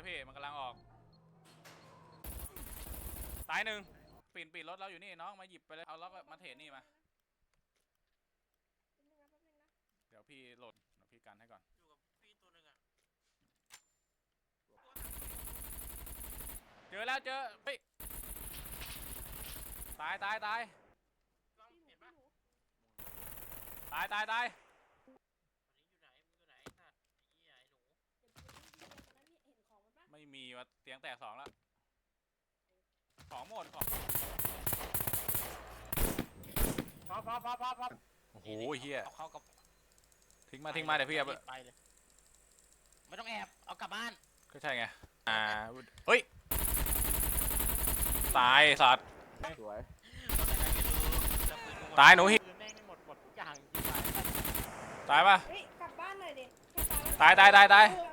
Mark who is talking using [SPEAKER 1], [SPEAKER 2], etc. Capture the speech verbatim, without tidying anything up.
[SPEAKER 1] พี่มันกำลังออกตายหนึ่งปีนปีนรถเราอยู่นี่น้องมาหยิบไปเลยเอาล็อกมาเทรดนี่มาเดี๋ยวพี่โหลดเดี๋ยวพี่กันให้ก่อนอยู่กับพี่ตัวหนึ่งอ่ะเจอแล้วเจอเฮ้ยตายตายตายตายตายตายไม่มีว่าเตียงแตกสองแล้วของหมดของพอพอพอพอพอโอ้โหเฮียทิ้งมาทิ้งมาเดี๋ยวพี่เอาไปเลยไม่ต้องแอบเอากลับบ้านก็ใช่ไงอ่าเฮ้ยตายสัตว์สวยตายหนูหิตายปะตายตายตายตาย